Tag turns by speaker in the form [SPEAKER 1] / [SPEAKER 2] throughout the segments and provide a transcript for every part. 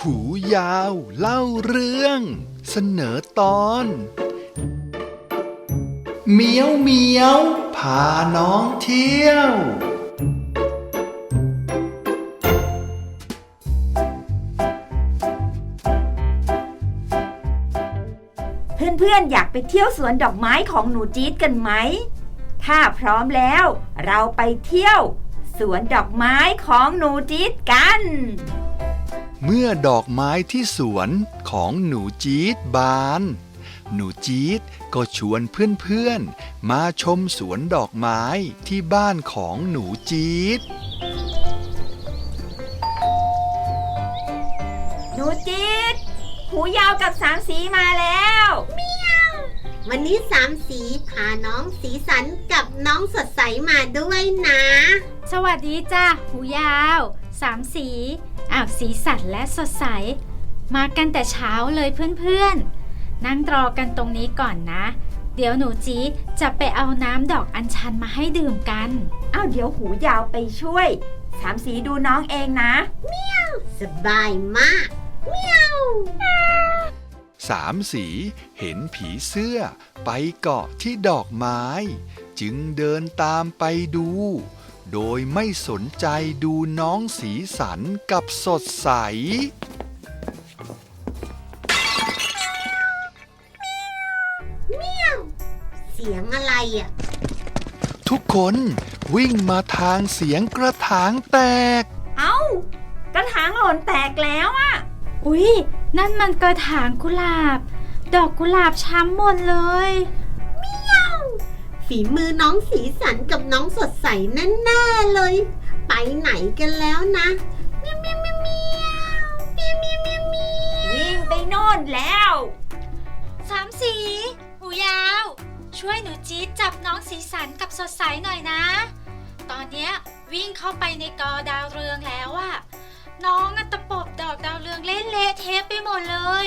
[SPEAKER 1] หูยาวเล่าเรื่องเสนอตอนเมียวเมียวพาน้องเที่ยว
[SPEAKER 2] เพื่อนๆอยากไปเที่ยวสวนดอกไม้ของหนูจี๊ดกันไหมถ้าพร้อมแล้วเราไปเที่ยวสวนดอกไม้ของหนูจี๊ดกัน
[SPEAKER 1] เมื่อดอกไม้ที่สวนของหนูจี๊ดบานหนูจี๊ดก็ชวนเพื่อนๆมาชมสวนดอกไม้ที่บ้านของหนูจี๊ด
[SPEAKER 2] หนูจี๊ดหูยาวกับสามสีมาแล้ว
[SPEAKER 3] เมียววันนี้สามสีพาน้องสีสันกับน้องสดใสมาด้วยนะ
[SPEAKER 4] สวัสดีจ้าหูยาวสามสีสีสันและสดใสมากันแต่เช้าเลยเพื่อนๆนั่งรอกันตรงนี้ก่อนนะเดี๋ยวหนูจี๊ดจะไปเอาน้ำดอกอัญชันมาให้ดื่มกัน
[SPEAKER 2] เดี๋ยวหูยาวไปช่วยสามสีดูน้องเองนะ
[SPEAKER 3] เมียวสบายมากเมียว
[SPEAKER 1] สามสีเห็นผีเสื้อไปเกาะที่ดอกไม้จึงเดินตามไปดูโดยไม่สนใจดูน้องสีสันกับสดใส
[SPEAKER 3] เมียวเสียงอะไรอ่ะ
[SPEAKER 1] ทุกคนวิ่งมาทางเสียงกระถางแตก
[SPEAKER 2] กระถางหล่นแตกแล้ว
[SPEAKER 4] อุ๊ยนั่นมันกระถางกุหลาบดอกกุหลาบช้ำหมดเลย
[SPEAKER 3] เมียวฝีมือน้องสีสันกับน้องสดใสแน่ๆเลยไปไหนกันแล้วนะเมียวเมียวเมียวเมียวเมียวเมียวเมียวเมียว
[SPEAKER 2] วิ่งไปโน่นแล้ว
[SPEAKER 4] สามสีหูยาวช่วยหนูจี๊ดจับน้องสีสันกับสดใสหน่อยนะตอนเนี้ยวิ่งเข้าไปในกอดาวเรืองแล้วน้องตะปบดอกดาวเรืองเละเทะไปหมดเลย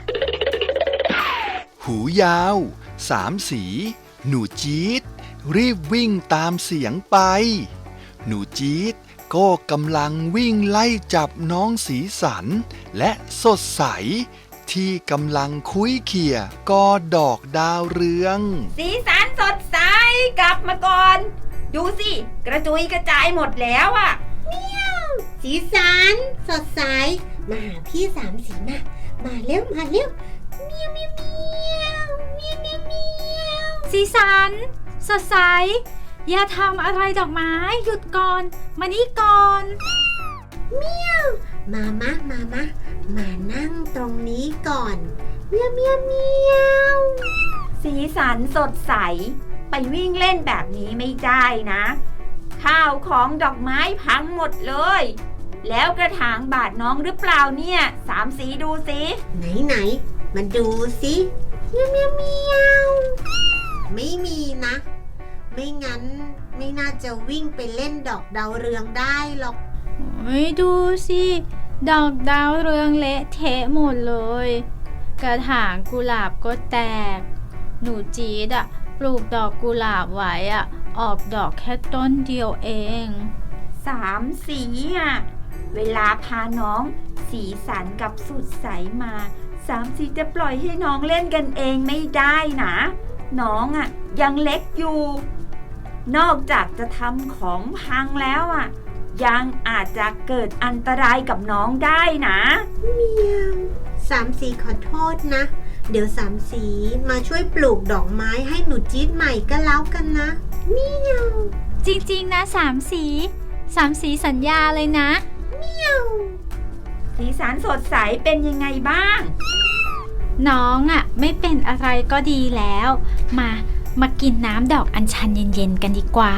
[SPEAKER 1] หูยาวสามสีหนูจี๊ดรีบวิ่งตามเสียงไปหนูจี๊ดก็กำลังวิ่งไล่จับน้องสีสันและสดใสที่กำลังคุยเขี่ยกอดอกดาวเรือง
[SPEAKER 2] สีสันสดใสกลับมาก่อนดูสิกระจุยกระจายหมดแล้ว
[SPEAKER 3] เมียวสีสันสดใสมาหาพี่สามสีมาเร็วมาเร็วเมียวเมียวเมียวเมียวเมียวเมียว
[SPEAKER 4] สีสันสดใสอย่าทำอะไรดอกไม้หยุดก่อนมานี่ก่อน
[SPEAKER 3] เมียวมานั่งตรงนี้ก่อนเมียวเมียวเมียว
[SPEAKER 2] สีสันสดใสไปวิ่งเล่นแบบนี้ไม่ได้นะข้าวของดอกไม้พังหมดเลยแล้วกระถางบาดน้องหรือเปล่าเนี่ยสามสีดูสิ
[SPEAKER 3] ไหนมาดูสิเมียวเมียวเมียวไม่มีนะไม่งั้นไม่น่าจะวิ่งไปเล่นดอกดาวเรืองได้หรอก
[SPEAKER 4] ดูสิดอกดาวเรืองเละเทะหมดเลยกระถางกุหลาบก็แตกหนูจี๊ดปลูกดอกกุหลาบไว้ออกดอกแค่ต้นเดียวเอง
[SPEAKER 2] สามสีเวลาพาน้องสีสันกับสดใสมาสามสีจะปล่อยให้น้องเล่นกันเองไม่ได้นะน้องยังเล็กอยู่นอกจากจะทำของพังแล้วยังอาจจะเกิดอันตรายกับน้องได้นะ
[SPEAKER 3] เมียวสามสีขอโทษนะเดี๋ยวสามสีมาช่วยปลูกดอกไม้ให้หนูจี๊ดใหม่ก็แล้วกันนะเมียว
[SPEAKER 4] จริงๆนะสามสีสัญญาเลยนะ
[SPEAKER 3] เมียว
[SPEAKER 2] สีสันสดใสเป็นยังไงบ้าง
[SPEAKER 4] น้องไม่เป็นอะไรก็ดีแล้วมากินน้ำดอกอัญชันเย็นๆกันดีกว่า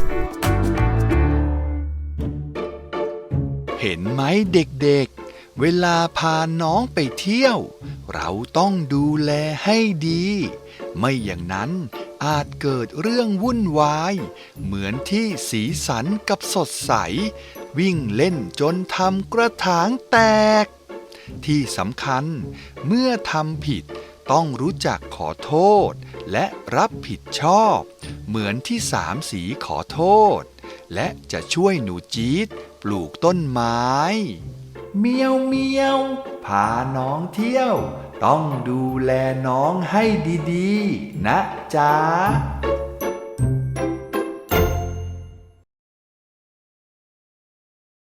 [SPEAKER 1] เห็นไหมเด็กๆเวลาพาน้องไปเที่ยวเราต้องดูแลให้ดีไม่อย่างนั้นอาจเกิดเรื่องวุ่นวายเหมือนที่สีสันกับสดใสวิ่งเล่นจนทำกระถางแตกที่สำคัญเมื่อทำผิดต้องรู้จักขอโทษและรับผิดชอบเหมือนที่สามสีขอโทษและจะช่วยหนูจี๊ดปลูกต้นไม้เมียวเมียวพาน้องเที่ยว ต้องดูแลน้องให้ดีๆ นะจ๊ะ